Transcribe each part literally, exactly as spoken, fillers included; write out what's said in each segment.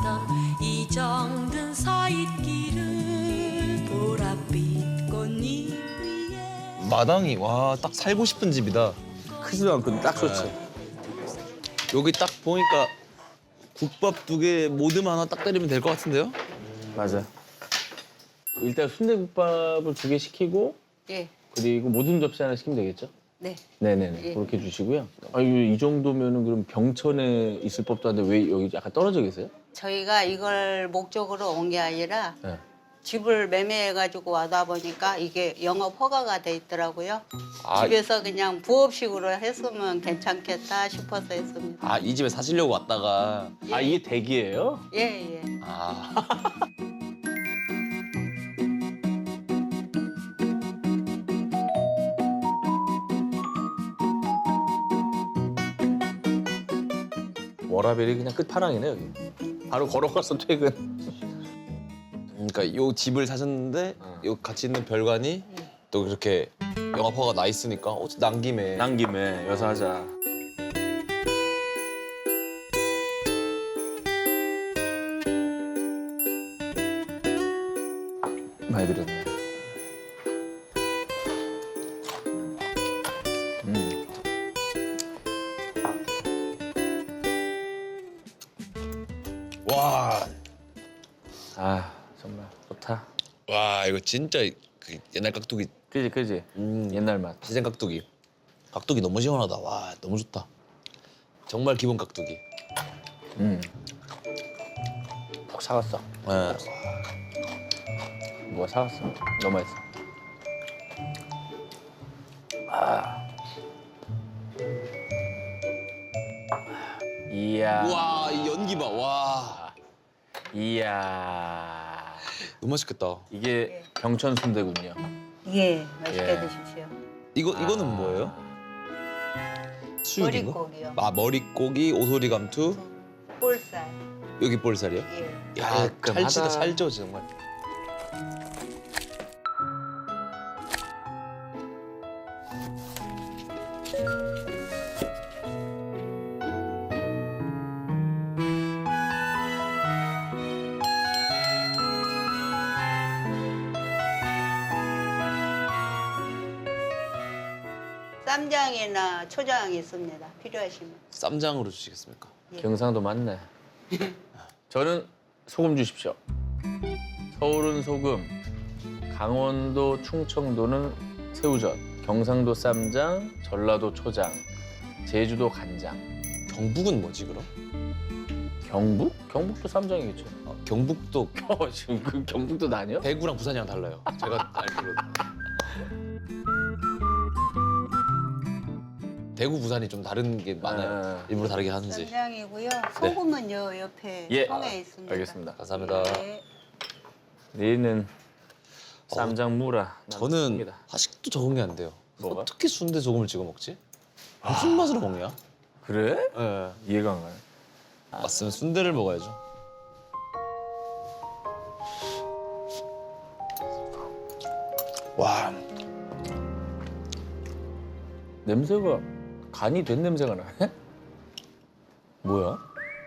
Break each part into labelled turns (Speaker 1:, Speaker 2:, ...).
Speaker 1: 걷던 이 정든 서잇길을 보랏빛 꽃잎 위에
Speaker 2: 마당이 와 딱 살고 싶은 집이다.
Speaker 3: 크지도 않고 딱 좋지.
Speaker 2: 여기 딱 보니까 국밥 두 개, 모듬 하나 딱 때리면 될 것 같은데요?
Speaker 3: 맞아. 일단 순대국밥을 두 개 시키고
Speaker 4: 예,
Speaker 3: 그리고 모든 접시 하나 시키면 되겠죠?
Speaker 4: 네.
Speaker 3: 네네네.
Speaker 4: 예.
Speaker 3: 그렇게 주시고요. 아, 이, 이 정도면은 그럼 병천에 있을 법도 한데 왜 여기 약간 떨어져 계세요?
Speaker 4: 저희가 이걸 목적으로 온 게 아니라
Speaker 3: 네.
Speaker 4: 집을 매매해가지고 와다 보니까 이게 영업 허가가 돼 있더라고요.
Speaker 2: 아,
Speaker 4: 집에서 그냥 부업식으로 했으면 괜찮겠다 싶어서 했습니다.
Speaker 2: 아, 이 집에 사시려고 왔다가
Speaker 3: 아, 이게 댁이에요?
Speaker 4: 예, 예.
Speaker 2: 아.
Speaker 3: 워라벨이 그냥 끝판왕이네 여기. 바로 걸어가서 퇴근.
Speaker 2: 그러니까 요 집을 사셨는데 요 같이 있는 별관이 또 그렇게 영업허가 나 있으니까 어, 난 김에
Speaker 3: 난 김에 여사 하자. 많이 들었네. 음.
Speaker 2: 와,
Speaker 3: 아 정말 좋다.
Speaker 2: 와 이거 진짜 그 옛날 깍두기,
Speaker 3: 그지 그지.
Speaker 2: 음,
Speaker 3: 옛날 맛.
Speaker 2: 시생 깍두기. 깍두기 너무 시원하다. 와 너무 좋다. 정말 기본 깍두기.
Speaker 3: 음. 푹 사갔어.
Speaker 2: 네.
Speaker 3: 뭐가 사갔어. 너무 맛있어. 아. 이야.
Speaker 2: 우와 이 연기 봐. 와
Speaker 3: 이야.
Speaker 2: 너무 맛있겠다.
Speaker 3: 이게 병천 순대군요.
Speaker 4: 예, 맛있게
Speaker 3: 예.
Speaker 4: 드십시오.
Speaker 2: 이거 이거는 뭐예요? 수육인가?
Speaker 4: 머릿고기요.
Speaker 2: 아 머릿고기, 오소리 감투,
Speaker 4: 볼살.
Speaker 2: 여기 볼살이요?
Speaker 4: 예.
Speaker 2: 야
Speaker 3: 깔끔하다.
Speaker 2: 찰지다 찰져 정말.
Speaker 4: 쌈장이나 초장이 있습니다. 필요하시면.
Speaker 2: 쌈장으로 주시겠습니까?
Speaker 3: 경상도 맞네. 저는 소금 주십시오. 서울은 소금, 강원도, 충청도는 새우젓, 경상도 쌈장, 전라도 초장, 제주도 간장.
Speaker 2: 경북은 뭐지 그럼?
Speaker 3: 경북? 경북도 쌈장이겠죠.
Speaker 2: 아, 경북도
Speaker 3: 어, 지금 그 경북도 나뉘어?
Speaker 2: 대구랑 부산이랑 달라요. 제가 알기로. 대구, 부산이 좀 다른 게 많아요.
Speaker 3: 아.
Speaker 2: 일부러 다르게 하는지.
Speaker 4: 쌈장이고요. 소금은요 옆에
Speaker 3: 예.
Speaker 4: 통에 있습니다.
Speaker 3: 알겠습니다.
Speaker 2: 감사합니다.
Speaker 4: 네.
Speaker 3: 내일은 쌈장 무라.
Speaker 2: 저는 아직도 적응이 안 돼요.
Speaker 3: 뭐가?
Speaker 2: 어떻게 순대 소금을 찍어 먹지? 무슨 맛으로 먹냐?
Speaker 3: 그래?
Speaker 2: 예.
Speaker 3: 이해가 안 가네.
Speaker 2: 맞으면 순대를 먹어야죠. 와,
Speaker 3: 냄새가 간이 된 냄새가 나네? 뭐야?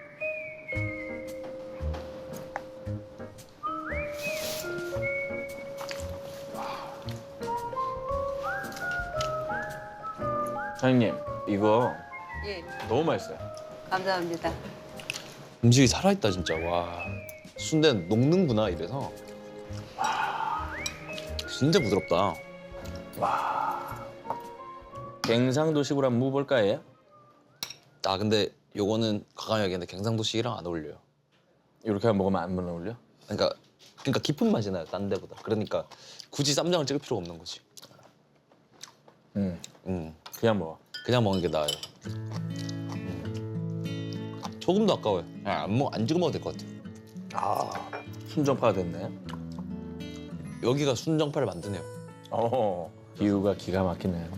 Speaker 3: 사장님, 이거
Speaker 4: 예.
Speaker 3: 너무 맛있어요.
Speaker 4: 감사합니다.
Speaker 2: 음식이 살아있다 진짜. 와, 순대는 녹는구나 이래서. 와, 진짜 부드럽다.
Speaker 3: 갱상도식으로 한번 먹어볼까, 얘?
Speaker 2: 아 근데 요거는 과감히 얘기했는데 경상도식이랑 안 어울려요.
Speaker 3: 이렇게 한번 먹으면 안 어울려?
Speaker 2: 그러니까 그러니까 깊은 맛이 나요 딴 데보다. 그러니까 굳이 쌈장을 찍을 필요가 없는 거지.
Speaker 3: 응,
Speaker 2: 음,
Speaker 3: 그냥 먹어.
Speaker 2: 그냥 먹는 게 나아요. 음. 소금도 아까워요. 그냥 안 먹, 안 찍어 먹어도 될 것 같아요.
Speaker 3: 아, 순정파가 됐네.
Speaker 2: 여기가 순정파를 만드네요.
Speaker 3: 어, 비유가 기가 막히네.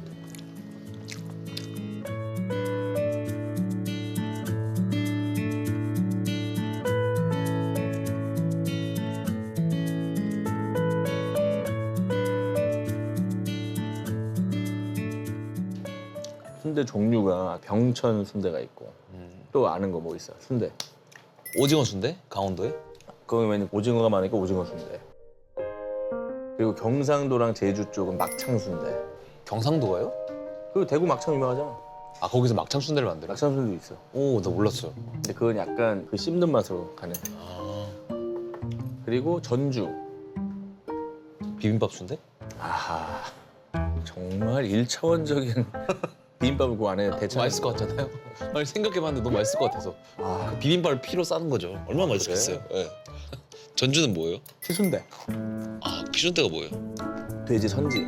Speaker 3: 순대 종류가 병천 순대가 있고
Speaker 2: 음.
Speaker 3: 또 아는 거 뭐 있어? 순대.
Speaker 2: 오징어 순대? 강원도에?
Speaker 3: 거기 왜냐면 오징어가 많으니까 오징어 순대. 그리고 경상도랑 제주 쪽은 막창 순대.
Speaker 2: 경상도가요?
Speaker 3: 그리고 대구 막창 유명하잖아.
Speaker 2: 아 거기서 막창 순대를 만들어?
Speaker 3: 막창 순대도 있어.
Speaker 2: 오, 나 몰랐어요.
Speaker 3: 근데 그건 약간 그 씹는 맛으로 가는.
Speaker 2: 아,
Speaker 3: 그리고 전주.
Speaker 2: 비빔밥 순대?
Speaker 3: 아하. 정말 일차원적인 비빔밥을 그 안에 대체.
Speaker 2: 맛있을 것 같잖아요. 아니 생각해봤는데 너무 맛있을 것 같아서.
Speaker 3: 아,
Speaker 2: 그 비빔밥을 피로 싸는 거죠. 얼마나 맛있겠어요. 예. 전주는 뭐예요?
Speaker 3: 피순대.
Speaker 2: 아, 피순대가 뭐예요?
Speaker 3: 돼지 선지.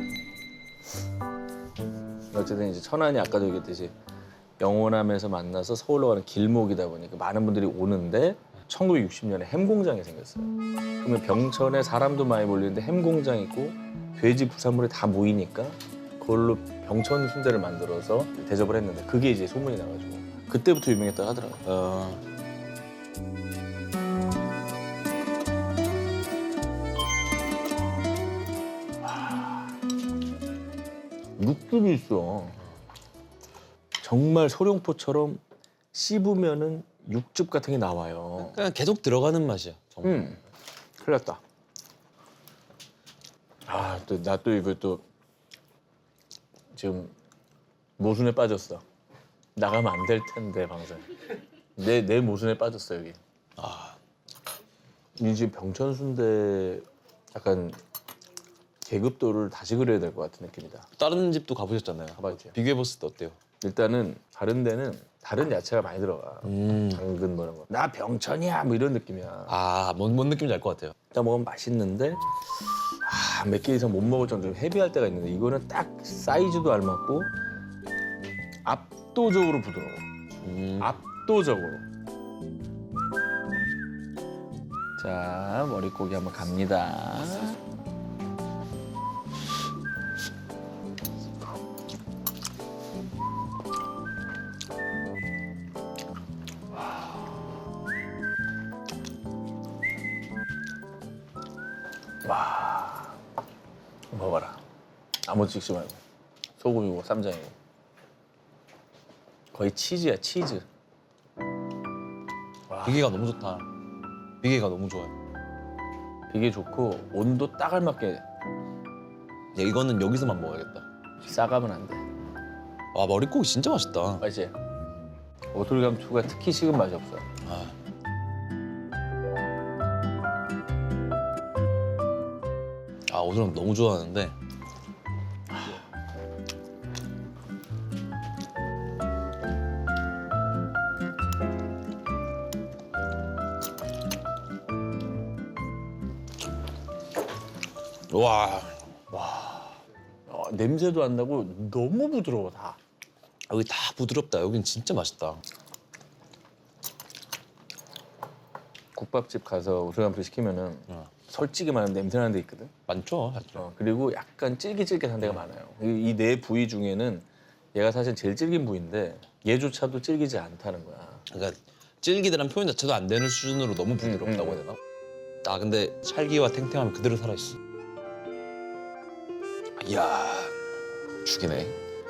Speaker 3: 어쨌든 이제 천안이 아까도 얘기했듯이 영호남에서 만나서 서울로 가는 길목이다 보니까 많은 분들이 오는데 천구백육십 년에 햄 공장이 생겼어요. 그러면 병천에 사람도 많이 몰리는데 햄 공장 있고 돼지 부산물이 다 모이니까 그걸로 병천 순대를 만들어서 대접을 했는데 그게 이제 소문이 나가지고 그때부터 유명했다고 하더라고요.
Speaker 2: 어...
Speaker 3: 육즙이 있어. 정말 소룡포처럼 씹으면은 육즙 같은 게 나와요.
Speaker 2: 그냥 계속 들어가는 맛이야. 정말.
Speaker 3: 음, 큰일 났다. 아, 또 나 또 이거 또 지금 모순에 빠졌어. 나가면 안 될 텐데 방송. 내 내 모순에 빠졌어 여기.
Speaker 2: 아,
Speaker 3: 이 집 병천 순대 약간 계급도를 다시 그려야 될 것 같은 느낌이다.
Speaker 2: 다른 집도 가보셨잖아요.
Speaker 3: 가봤죠.
Speaker 2: 비교해봤을 때 어때요?
Speaker 3: 일단은 다른 데는 다른 야채가 많이 들어가.
Speaker 2: 음.
Speaker 3: 당근 뭐 이런 거. 나 병천이야 뭐 이런 느낌이야.
Speaker 2: 아, 뭔, 뭔 느낌인지 알 것 같아요.
Speaker 3: 일단 먹으면 맛있는데 아, 몇 개 이상 못 먹을 정도로 헤비할 때가 있는데 이거는 딱 사이즈도 알맞고 압도적으로 부드러워.
Speaker 2: 음.
Speaker 3: 압도적으로. 자, 머릿고기 한번 갑니다. 와, 먹어봐라. 아무 찍지 말고 소금이고 쌈장이고 거의 치즈야 치즈.
Speaker 2: 비계가 너무 좋다. 비계가 너무 좋아요.
Speaker 3: 되게 좋고 온도 딱 알맞게
Speaker 2: 야, 이거는 여기서만 먹어야겠다.
Speaker 3: 싸가면 안 돼.
Speaker 2: 와, 머릿고기 진짜 맛있다.
Speaker 3: 맛있지? 오돌감초가 특히 식은 맛이 없어.
Speaker 2: 아. 아, 오늘은 너무 좋아하는데 와,
Speaker 3: 어, 냄새도 안 나고 너무 부드러워 다.
Speaker 2: 여기 다 부드럽다. 여긴 진짜 맛있다.
Speaker 3: 국밥집 가서 오돌감초 시키면은
Speaker 2: 어.
Speaker 3: 솔직히 말하면 냄새 나는 데 있거든.
Speaker 2: 많죠, 많죠.
Speaker 3: 어, 그리고 약간 찔깃찔깃한 데가 많아요. 이 네 부위 중에는 얘가 사실 제일 질긴 부위인데 얘조차도 질기지 않다는 거야.
Speaker 2: 그러니까 질기다란 표현 자체도 안 되는 수준으로 너무 부드럽다고
Speaker 3: 음,
Speaker 2: 해야 되나? 아, 근데 찰기와 탱탱함이 그대로 살아있어. 이야, 죽이네.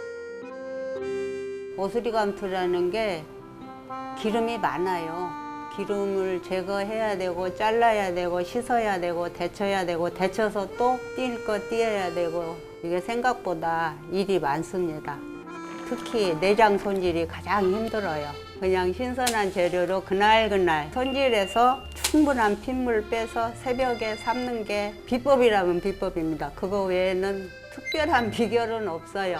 Speaker 4: 오수리감투라는 게 기름이 많아요. 기름을 제거해야 되고 잘라야 되고 씻어야 되고 데쳐야 되고 데쳐서 또 띨 거 띄어야 되고 이게 생각보다 일이 많습니다. 특히 내장 손질이 가장 힘들어요. 그냥 신선한 재료로 그날그날 손질해서 충분한 핏물 빼서 새벽에 삶는 게 비법이라면 비법입니다. 그거 외에는 특별한 비결은 없어요.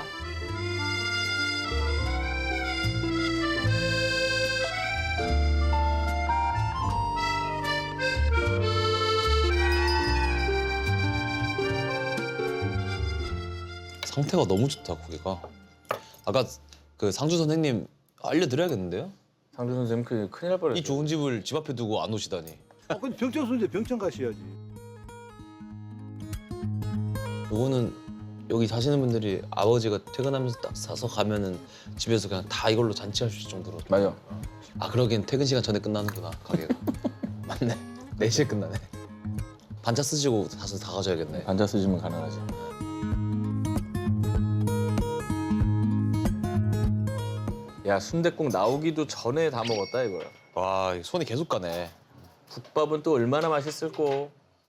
Speaker 2: 상태가 너무 좋다, 고기가. 아까 그 상주 선생님 알려드려야겠는데요?
Speaker 3: 상주 선생님 그 큰일 날 뻔했어.
Speaker 2: 이 좋은 집을 집 앞에 두고 안 오시다니.
Speaker 5: 어, 근데 병천 순대 병천 가셔야지.
Speaker 2: 요거는 여기 사시는 분들이 아버지가 퇴근하면서 딱 사서 가면은 집에서 그냥 다 이걸로 잔치할 수 있을 정도로.
Speaker 3: 맞아.
Speaker 2: 아, 그러긴 퇴근 시간 전에 끝나는구나, 가게가. 맞네. 네 시에 끝나네. 반차 쓰시고 사서 다 가져야겠네.
Speaker 3: 반자 쓰시면 가능하지. 야 순댓국 나오기도 전에 다 먹었다 이거야.
Speaker 2: 와, 손이 계속 가네.
Speaker 3: 국밥은 또 얼마나 맛있을꼬.